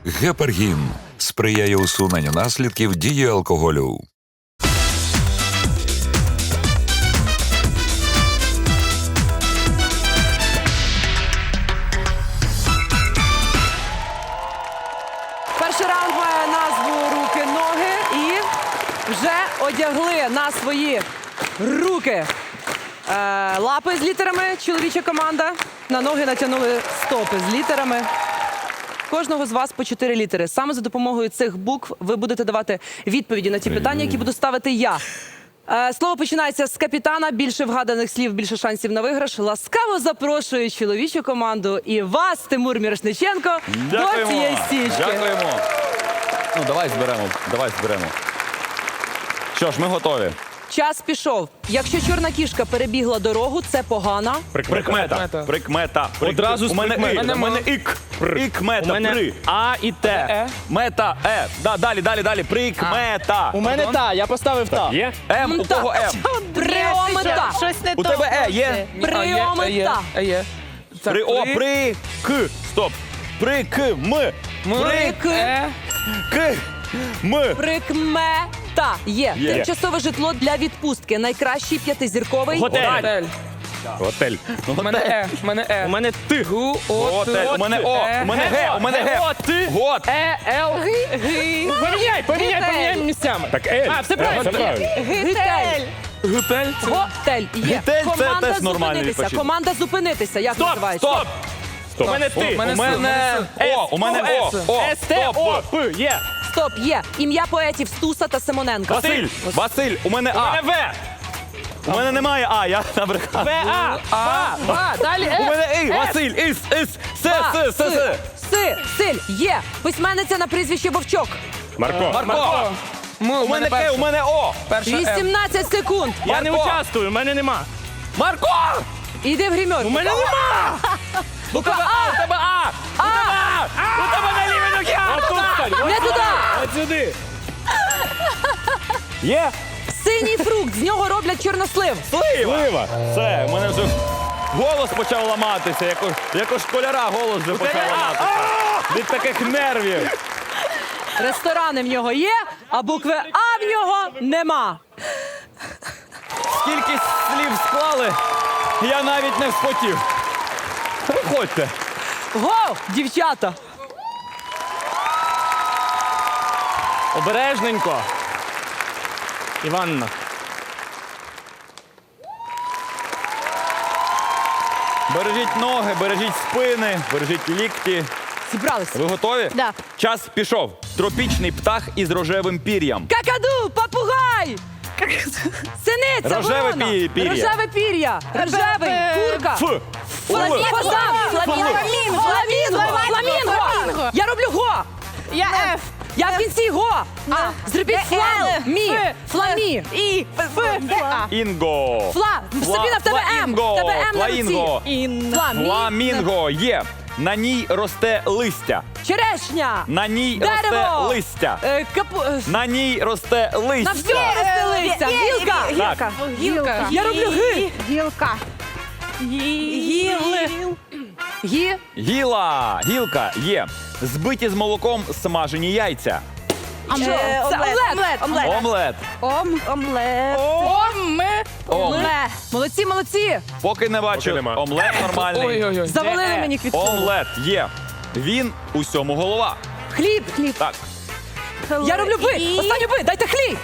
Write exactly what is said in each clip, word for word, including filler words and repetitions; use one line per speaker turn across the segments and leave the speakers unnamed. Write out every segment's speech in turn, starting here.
Гепаргін сприяє усуненню наслідків дії алкоголю.
Перший раунд має назву «Руки-ноги» і вже одягли на свої руки е, лапи з літерами, чоловіча команда. На ноги натягнули стопи з літерами. Кожного з вас по чотири літери. Саме за допомогою цих букв ви будете давати відповіді на ті питання, які буду ставити я. Е, Слово починається з капітана. Більше вгаданих слів, більше шансів на виграш. Ласкаво запрошую чоловічу команду і вас, Тимур Мірошниченко, до цієї стічки.
Дякуємо. Ну, давай зберемо, давай зберемо. Що ж, ми готові.
Час пішов. Якщо чорна кішка перебігла дорогу, це погана.
Прикмета. Прикмета. Прик-
Одразу з
У мене
прикмет.
і, у мене ік. Ік,
У
мета,
мене
при.
А і Т.
Мета, е. Да, далі, далі, далі. Прикмета.
У мене та, я поставив та. Є?
М, у кого М?
Пріомета.
Щось не
У
то.
тебе Е є?
Пріомета.
Є.
При, о, при, к. Стоп. При, к, м. При,
Прик.
к, м.
Прикмета. Є.
Є.
Тимчасове житло для відпустки. Найкращий п'ятизірковий.
Готель.
Готель. Ну,
У мене Е. У мене Е. У мене Т. Гу, О,
Готель. У мене О. У мене Г. У мене Г.
О, Т.
Гот.
Е, Л. Г. Поміняй, поміняй, поміняй місцями. Так, Ель. А, все правильно.
Гитель.
Готель.
Готель. Є.
Гитель – це
Команда
теж нормальний
зупинитися.
відпочинок.
Команда зупинитися. Як
Стоп,
називається?
стоп. Стоп. У мене Т.
У мене О. У мене О. О.
С, Т, О,
Стоп.
П. Є.
Стоп. Є. Ім'я поетів Стуса та Симоненка.
Василь. Василь. У мене
У мене
А.
В.
У мене немає А. Я набрехав.
В, А. Ба, ба. Далі
У
Е.
мене І. Василь. Іс. Іс. С. С. С. С.
Си. Силь. Є. Письменниця на прізвище Вовчок.
Марко.
Марко.
М,
У мене К. У мене О.
перша М.
вісімнадцять секунд.
Я не
Марко.
участвую, в мене нема.
Марко.
Іди в гримерку.
У мене нема.
У тебе А. У тебе А. У тебе А. У тебе на лівій ногі А.
Отут стань.
Не туди.
От сюди.
Є.
Синій фрукт. З нього роблять чорнослив.
Слива. Все. У мене вже голос почав ламатися. Як у, як у школяра голос вже почав ламатися. Від таких нервів.
Ресторани в нього є, а букви А в нього нема.
Скільки слів склали, я навіть не вспотів. Виходьте.
Го, дівчата.
Обережненько. Іванна.
Бережіть ноги, бережіть спини, бережіть лікті.
Зібралися.
Ви готові?
Да.
Час пішов. Тропічний птах із рожевим пір'ям.
Какаду, попугай. Синиця,
Рожеве
ворона.
пі- пір'я.
Рожеве пір'я. Рожевий, курка.
Ф.
Фламінго.
Ф.
Фазан.
Фламінго.
Фламінго. Фламінго.
Фламінго.
Я роблю го.
Я Ф.
Я в кінці го. А, зробіть
Де
флам.
Л?
Мі.
Ф.
Фламі.
І. Ф. Де А.
Інго.
Фла. Сабіна, в тебе М. В
Фламінго.
тебе М на
Фламінго.
руці.
Ін.
Фламі.
Фламінго є. На ній росте листя.
Черешня.
На ній росте
Дерево.
листя.
Е, капу... е,
На ній росте
На
листя.
всьому росте листя. Гілка.
Так.
Гілка.
Я роблю ги.
Гілка. Гіли.
Гі.
Гіла. Гілка є. Збиті з молоком смажені яйця.
Що?
Е,
Це
омлет.
омлет.
Омлет.
Омлет.
Ом. Омлет.
Омлет.
Омлет.
Молодці, молодці.
Поки не бачу.
нема.
Омлет нормальний.
Ой-ой-ой.
Завалили мені квітку.
Омлет є. Він усьому голова.
Хліб. Хліб.
Так.
Я роблю би.
І-
Останню би. Дайте хліб.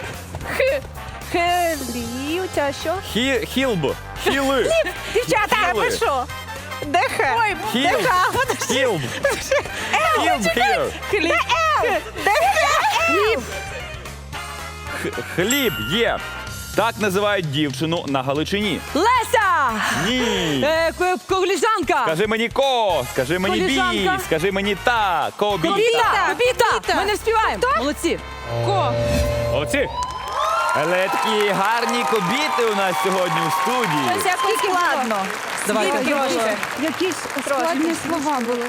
Хелі. У тебе що?
Хі, хілб. Хіли.
Дівчата,
Хіли.
ви що? Де Х? Ой,
Хіл.
де Х? Подожди.
Хілб. Хілб here.
Де Л? Де Х?
Хліб.
Х- Хліб є. Так називають дівчину на Галичині.
Леся.
Ні.
Е, ко- Коліжанка.
Скажи мені ко, скажи мені бі,
Коліжанка.
скажи мені та, кобіта.
Кобіта. Кобіта.
Кобіта.
Ми не вспіваємо. Молодці.
Ко.
Молодці.
Але такі гарні кобіти у нас сьогодні в студії.
Ось якось складно.
Давайте.
Скільки може?
Якісь складні слова були.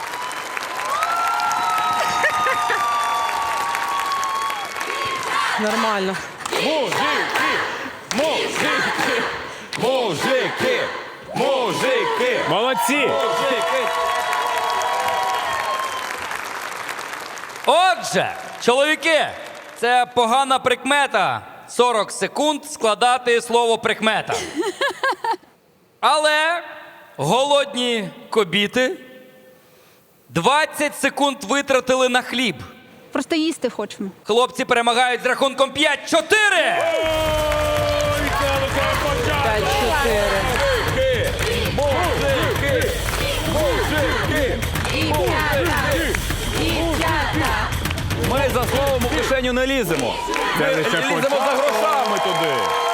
Нормально.
Мужики! Мужики! Мужики! Мужики!
Молодці.
Мужики!
Отже, чоловіки, це погана прикмета. сорок секунд складати слово прикмета. Але голодні кобіти двадцять секунд витратили на хліб.
Просто їсти хочемо.
Хлопці перемагають з рахунком п'ять-чотири.
п'ять-чотири.
Ми за словом у кишеню не ліземо. Ми ліземо за грошами туди.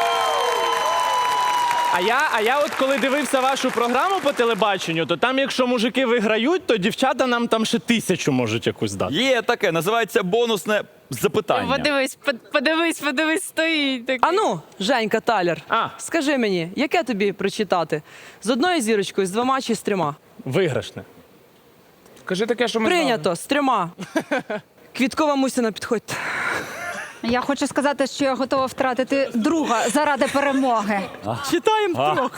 А я, а я от коли дивився вашу програму по телебаченню, то там, якщо мужики виграють, то дівчата нам там ще тисячу можуть якусь дати.
Є таке, називається бонусне запитання.
Подивись, под- подивись, подивись, стоїть. такий.
Ану, Женька Таляр,
А.
скажи мені, яке тобі прочитати? З одною зірочкою, з двома чи з трьома?
Виграшне.
Кажи таке, що ми
Прийнято, з трьома. Квіткова Мусіна, підходьте.
Я хочу сказати, що я готова втратити друга заради перемоги.
Читаємо трьох.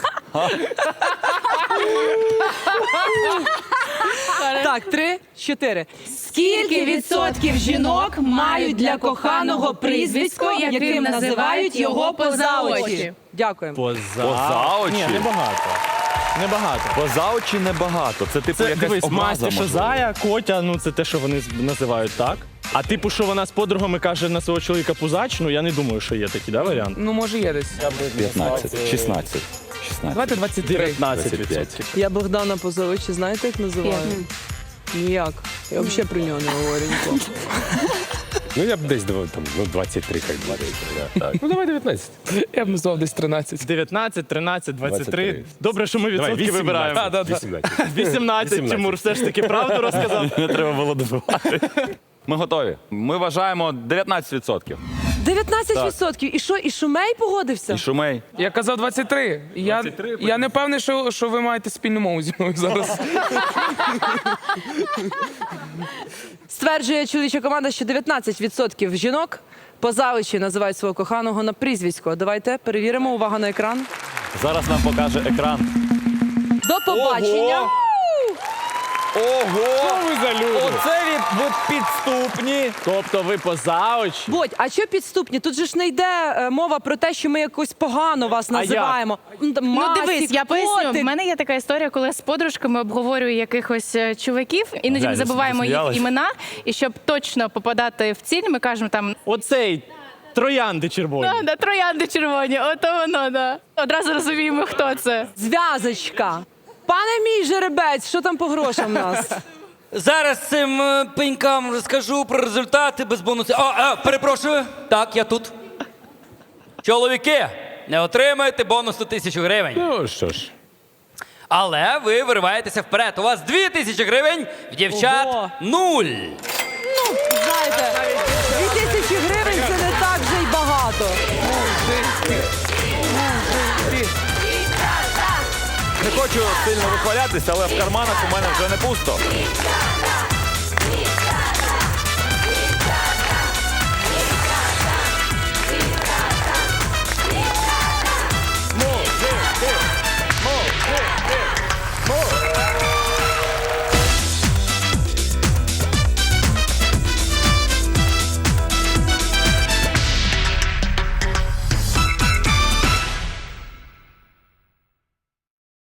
Так, три, чотири.
Скільки відсотків жінок мають для коханого прізвисько, яким називають його поза очі?
Дякуємо.
Поза,
Поза очі?
Ні, небагато. Небагато.
Поза очі небагато. Це типу
Це,
якась
дивись,
образа,
Масті, що
можливо.
Зая, Котя, ну це те, що вони з- називають так. А типу, що вона з подругами каже на свого чоловіка пузач, ну я не думаю, що є такий, да, варіант?
Ну, може, є десь.
п'ятнадцять, шістнадцять. шістнадцять.
Давайте двадцять три.
дев'ятнадцять відсотків.
Я Богдана Позовича, знаєте, як називаю? Ніяк. Я взагалі про нього не говорю ніколи.
Ну, я б десь давав там, ну, двадцять три, хай буде. Так.
Ну, давай дев'ятнадцять. Я б назвав десь тринадцять.
дев'ятнадцять, тринадцять, двадцять три.
двадцять три.
Добре, що ми відсотки вибираємо.
Да, да, да.
вісімнадцять.
вісімнадцять, Тимур все ж таки правду розказав.
Не треба було додавати. Ми готові. Ми вважаємо дев'ятнадцять відсотків.
дев'ятнадцять відсотків. І що, і Шумей погодився?
І Шумей.
Я казав двадцять три. І Я, я не певний, що, що ви маєте спільну мову зі мною зараз.
Стверджує чоловіча команда, що дев'ятнадцять відсотків жінок поза очі називають свого коханого на прізвисько. Давайте перевіримо. Увага на екран.
Зараз нам покаже екран.
До побачення.
Ого! Ого!
ви за люди?
Оце від, від підступні.
Тобто ви поза очі?
Бодь, а що підступні? Тут же ж не йде е, мова про те, що ми якось погано вас
А як?
називаємо. Ну,
Ну дивись, я поясню.
котик.
В мене є така історія, коли я з подружками обговорюю якихось е, чуваків, іноді ми
Глянь,
забуваємо їх
засміялась.
імена, і щоб точно попадати в ціль, ми кажемо там
Оцей троянди червоні.
«А, да, троянди червоні, ото воно, да. Одразу розуміємо, хто це.
Зв'язочка. Пане мій жеребець, що там по грошам у нас?
Зараз цим е, пенькам розкажу про результати без бонусів. О, а, перепрошую. Так, я тут. Чоловіки, не отримаєте бонусу тисячу гривень.
Ну, що ж.
Але ви вириваєтеся вперед. У вас дві тисячі гривень, в дівчат
Ого.
нуль.
Знаєте, дві тисячі гривень це не так вже й багато.
Не хочу сильно вихвалятися, але в карманах у мене вже не пусто.